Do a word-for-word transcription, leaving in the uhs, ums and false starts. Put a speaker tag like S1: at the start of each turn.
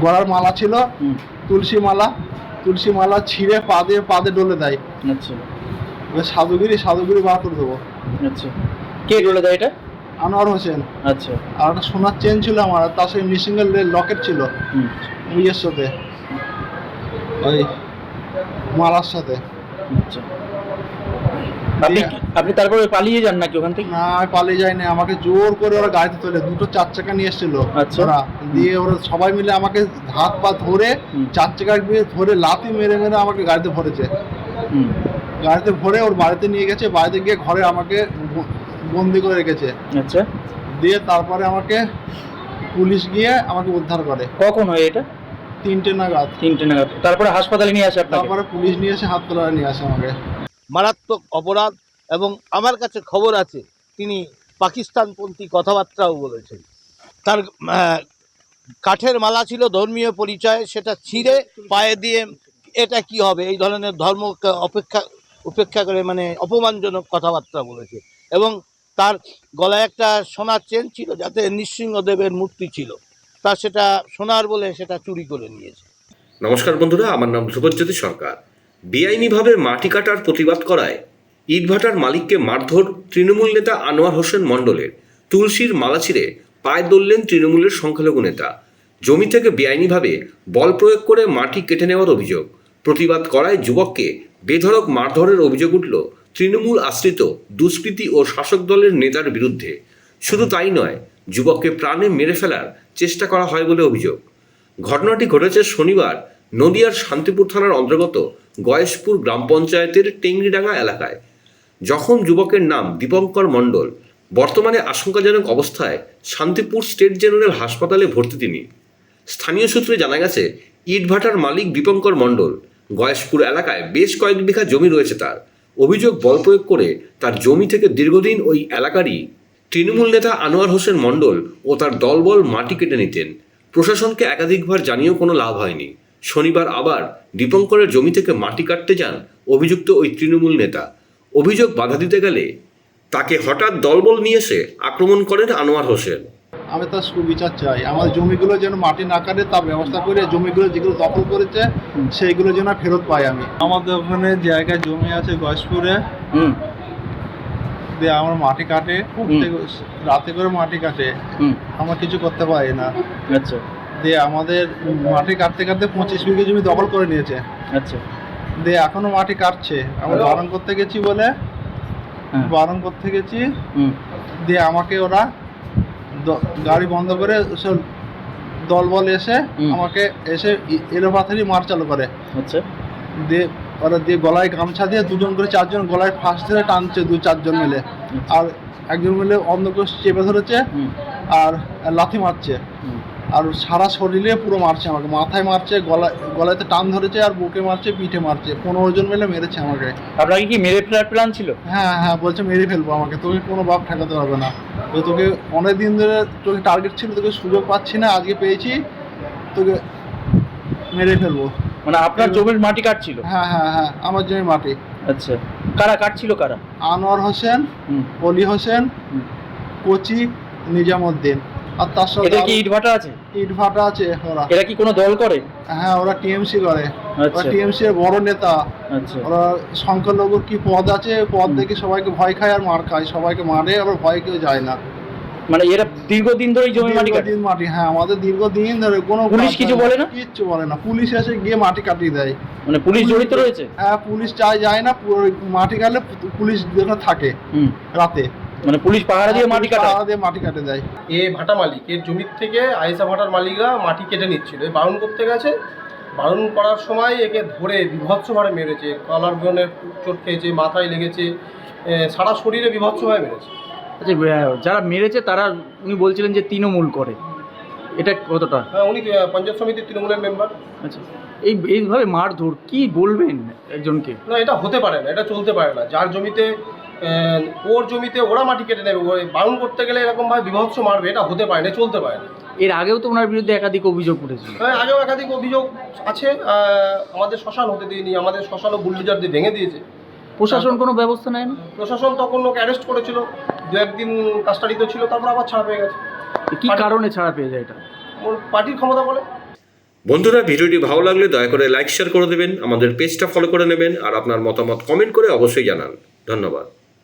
S1: গলার মালা ছিল, তুলসী মালা, তুলসী মালা ছিঁড়ে পা দিয়ে পা দিয়ে ডলে দেয়।
S2: আচ্ছা,
S1: সাধুগিরি সাধুগিরি বার করে দেবো।
S2: আচ্ছা, কে ডলে দেয় এটা?
S1: আনোয়ার হোসেন।
S2: আচ্ছা,
S1: আর একটা সোনার চেন ছিল আমার, তার সঙ্গে মিসিংয়ের লকেট ছিল ইয়ের সাথে, ওই মালার সাথে।
S2: আচ্ছা, আপনি আপনি তারপরে পালিয়ে যান নাকি ওখান থেকে?
S1: না, আমি পালিয়ে যাইনি, আমাকে জোর করে ওরা গাড়িতে তোলে, দুটো চার চাকা নিয়ে এসেছিল ওরা, দিয়ে ওরা সবাই মিলে আমাকে হাত পা ধরে চার চাকা দিয়ে ধরে লাথি মেরে মেরে আমাকে গাড়িতে ভরেছে। গাড়িতে ভরে ওর বাড়িতে নিয়ে গেছে, বাড়িতে গিয়ে ঘরে আমাকে বন্দি করে রেখেছে।
S2: আচ্ছা,
S1: দিয়ে তারপরে আমাকে পুলিশ গিয়ে আমাকে উদ্ধার করে।
S2: কখন হয় এটা?
S1: তিনটে নাগাদ।
S2: তিনটে নাগাদ। তারপরে হাসপাতালে নিয়ে আসে আপনাকে?
S1: তারপরে পুলিশ নিয়ে এসে হাসপাতালে নিয়ে আসে আমাকে।
S3: মারাত্মক অপরাধ, এবং আমার কাছে খবর আছে তিনি পাকিস্তানপন্থী কথাবার্তাও বলেছেন। তার কাঠের মালা ছিল ধর্মীয় পরিচয়, সেটা ছিঁড়ে পায়ে দিয়ে এটা কি হবে এই ধরনের ধর্মকে অপেক্ষা উপেক্ষা করে মানে অপমানজনক কথাবার্তা বলেছে। এবং তার গলায় একটা সোনার চেন ছিল যাতে নৃসিংহদেবের মূর্তি ছিল, তা সেটা সোনার বলে সেটা চুরি করে নিয়েছে।
S4: নমস্কার বন্ধুরা, আমার নাম ধ্রুবজ্যোতি সরকার। বেআইনিভাবে মাটি কাটার প্রতিবাদ করায় ইটভাটার মালিককে মারধর তৃণমূল নেতা আনোয়ার হোসেন মণ্ডলের। তুলসীর মালা ছিঁড়ে পায়ে দললেন তৃণমূলের সংখ্যালঘু নেতা। জমি থেকে বেআইনিভাবে বল প্রয়োগ করে মাটি কেটে নেওয়ার অভিযোগ। প্রতিবাদ করায় যুবককে বেধড়ক মারধরের অভিযোগ উঠল তৃণমূল আশ্রিত দুষ্কৃতী ও শাসক দলের নেতার বিরুদ্ধে। শুধু তাই নয়, যুবককে প্রাণে মেরে ফেলার চেষ্টা করা হয় বলে অভিযোগ। ঘটনাটি ঘটেছে শনিবার নদিয়ার শান্তিপুর থানার অন্তর্গত গয়েশপুর গ্রাম পঞ্চায়েতের টেংরিডাঙ্গা এলাকায়। জখম যুবকের নাম দীপঙ্কর মণ্ডল। বর্তমানে আশঙ্কাজনক অবস্থায় শান্তিপুর স্টেট জেনারেল হাসপাতালে ভর্তি তিনি। স্থানীয় সূত্রে জানা গেছে, ইটভাটার মালিক দীপঙ্কর মণ্ডল গয়েশপুর এলাকায় বেশ কয়েক বিঘা জমি রয়েছে তার। অভিযোগ, বল প্রয়োগ করে তার জমি থেকে দীর্ঘদিন ওই এলাকারই তৃণমূল নেতা আনোয়ার হোসেন মণ্ডল ও তার দলবল মাটি কেটে নিতেন। প্রশাসনকে একাধিকবার জানিয়েও কোনো লাভ হয়নি। শনিবার আবার দীপঙ্করের জমি থেকে মাটি কাটতে যান অভিযুক্ত ওই তৃণমূল নেতা। অভিযোগ বাধা দিতে গেলে তাকে হঠাৎ দলবল নিয়ে এসে আক্রমণ করেন আনোয়ার হোসেন।
S1: আমি তার সুবিচার চাই, আমার জমিগুলো যেন মাটি না কাটে তার ব্যবস্থা করে, জমিগুলো যেগুলো দখল করেছে সেইগুলো যেন ফেরত পাই আমি। আমাদের ওখানে জায়গায় জমি আছে গয়েশপুরে, দিয়ে আমার মাটি কাটে, রাতে করে মাটি কাটে, আমরা কিছু করতে পারি না।
S2: আচ্ছা,
S1: দিয়ে আমাদের মাটি কাটতে কাটতে পঁচিশ বিঘে জমি দখল করে নিয়েছে।
S2: আচ্ছা, দিয়ে
S1: এখনো মাটি কাটছে। আমরা বারণ করতে গেছি বলে বারণ করতে গেছি দিয়ে আমাকে ওরা গাড়ি বন্ধ করে সব দলবল এসে আমাকে এসে এলো পাথারি মার চালু করে।
S2: আচ্ছা,
S1: দিয়ে ওরা দিয়ে গলায় গামছা দিয়ে দুজন করে চারজন গলায় ফাঁস ধরে টানছে, দু চারজন মিলে, আর একজন মিলে অন্ধকোষ চেপে ধরেছে আর লাথি মারছে, আর সারা শরীরে পুরো মারছে আমাকে, মাথায় মারছে, গলায় গলাতে টান ধরেছে, আর বুকে মারছে, পিঠে মারছে, পনেরো জন মিলে মেরেছে আমাকে।
S2: আপনাকে কি মেরে ফেলার প্ল্যান ছিল?
S1: হ্যাঁ হ্যাঁ, বলছে মেরে ফেলবো আমাকে, তোকে কোনো বাপ ঠেকাতে পারবে না, তোকে অনেক দিন ধরে তোকে টার্গেট ছিল, তোকে সুযোগ পাচ্ছি না, আজকে পেয়েছি, তোকে মেরে ফেলবো।
S2: মানে আপনার জমির মাটি কাটছিল?
S1: হ্যাঁ হ্যাঁ হ্যাঁ, আমার জমির মাটি।
S2: আচ্ছা, কারা কাটছিল? কারা?
S1: আনোয়ার হোসেন, অলি হোসেন, কোচি, নিজামুদ্দিন, আর তার সাথে
S2: এটা কি ইটভাটা আছে?
S1: ইটভাটা আছে ওরা।
S2: এরা কি কোনো দল করে?
S1: হ্যাঁ, ওরা টিএমসি করে।
S2: আচ্ছা,
S1: টিএমসি এর বড় নেতা।
S2: আচ্ছা,
S1: ওরা সংখ্যালঘুর কি পদ আছে, পদ দেখে সবাইকে ভয় খায় আর মার খায়, সবাইকে মারে, আবার ভয় কেউ যায় না।
S2: মানে এরা দীর্ঘদিন ধরে জমি মাটি কাটে?
S1: দীর্ঘদিন মাটি, হ্যাঁ, আমাদের দীর্ঘদিন ধরে। কোনো
S2: পুলিশ কিছু বলে না?
S1: কিচ্ছু বলে না, পুলিশ এসে গিয়ে মাটি কাটিয়ে দেয়।
S2: মানে পুলিশ জড়িত রয়েছে?
S1: হ্যাঁ, পুলিশ চাই যায় না, মাটি কাটলে পুলিশ যেখানে থাকে রাতে,
S2: মানে পুলিশ পাহারা দিয়ে মাটি কাটে,
S1: পাহারা দিয়ে মাটি কাটে দেয়।
S5: এ ভাটা মালিক, এর জমির থেকে আয়েশা ভাটার মালিকরা মাটি কেটে নিচ্ছিল, বারণ করতে গেছে, বারণ করার সময় একে ধরে বিভৎসভাবে মেরেছে, কলার গনের চোট খেয়েছে, মাথায় লেগেছে, সারা শরীরে বিভৎসভাবে মেরেছে।
S2: আচ্ছা, যারা মেরেছে তারা উনি বলছিলেন যে তৃণমূল করে, এটা কতটা?
S5: হ্যাঁ, উনি পঞ্চায়েত সমিতির তৃণমূলের মেম্বার।
S2: আচ্ছা, এই এইভাবে মারধর কি বলবেন একজনকে?
S5: না, এটা হতে পারে না, এটা চলতে পারে না। যার জমিতে, ওর জমিতে ওরা মাটি কেটে নেবে, বারণ করতে গেলে এরকমভাবে বিভৎস মারবে, এটা হতে পারে না, চলতে পারে না।
S2: এর আগেও তো ওনার বিরুদ্ধে একাধিক অভিযোগ উঠেছিল।
S5: হ্যাঁ, আগেও একাধিক অভিযোগ আছে। আমাদের শ্মশান হতে দিইনি, আমাদের শ্মশানও বুলডোজার দিয়ে ভেঙে দিয়েছে।
S2: প্রশাসন কোনো ব্যবস্থা নেয় না?
S5: প্রশাসন তখন লোক অ্যারেস্ট করেছিল, দু একদিন কাস্টাডিতে ছিল, তারপর আবার ছাড়া পেয়ে গেছে।
S2: কি কারণে ছাড়া পেয়ে যায় এটা?
S5: ওর পার্টির ক্ষমতা বলে।
S4: বন্ধুরা, ভিডিওটি ভালো লাগলে দয়া করে লাইক শেয়ার করে দেবেন, আমাদের পেজটা ফলো করে নেবেন আর আপনার মতামত কমেন্ট করে অবশ্যই জানান। ধন্যবাদ।